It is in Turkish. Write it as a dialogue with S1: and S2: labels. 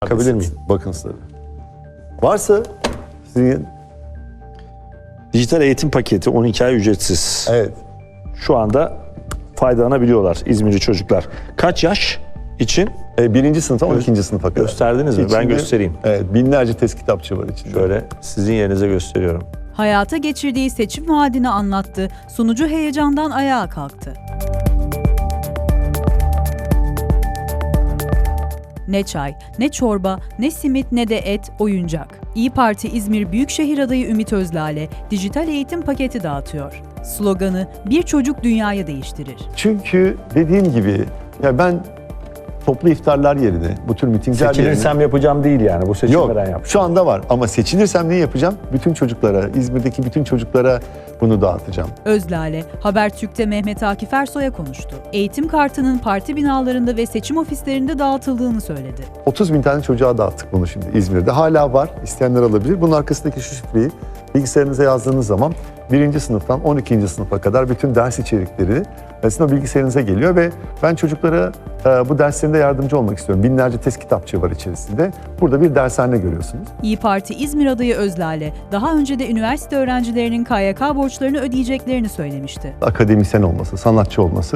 S1: Bakabilir miyim?
S2: Bakın tabii. Varsa sizin...
S1: Dijital eğitim paketi 12 ay ücretsiz.
S2: Evet.
S1: Şu anda faydalanabiliyorlar İzmirli çocuklar. Kaç yaş için?
S2: 1. sınıftan 12. sınıfa kadar.
S1: Gösterdiniz mi? Ben
S2: İçinde,
S1: göstereyim.
S2: Evet, binlerce test kitapçı var içinde.
S1: Şöyle sizin yerinize gösteriyorum.
S3: Hayata geçirdiği seçim vaadini anlattı, sunucu heyecandan ayağa kalktı. Ne çay, ne çorba, ne simit ne de et, oyuncak. İYİ Parti İzmir Büyükşehir adayı Ümit Özlale dijital eğitim paketi dağıtıyor. Sloganı "Bir çocuk dünyayı değiştirir."
S2: Çünkü dediğim gibi ya ben toplu iftarlar yerine, bu tür mitingler yerine...
S1: Seçilirsem yapacağım değil yani. Bu
S2: Yok,
S1: seçimlerden yapacağım.
S2: şu anda var ama seçilirsem ne yapacağım? Bütün çocuklara, İzmir'deki bütün çocuklara bunu dağıtacağım.
S3: Özlale, Habertürk'te Mehmet Akif Ersoy'a konuştu. Eğitim kartının parti binalarında ve seçim ofislerinde dağıtıldığını söyledi.
S2: 30 bin tane çocuğa dağıttık bunu şimdi İzmir'de. Hala var, isteyenler alabilir. Bunun arkasındaki şu şifreyi bilgisayarınıza yazdığınız zaman 1. sınıftan 12. sınıfa kadar bütün ders içerikleri sizin o bilgisayarınıza geliyor ve ben çocuklara bu derslerinde yardımcı olmak istiyorum. Binlerce test kitapçığı var içerisinde. Burada bir dershane görüyorsunuz.
S3: İYİ Parti İzmir adayı Özlale, daha önce de üniversite öğrencilerinin KYK borçlarını ödeyeceklerini söylemişti.
S2: Akademisyen olması, sanatçı olması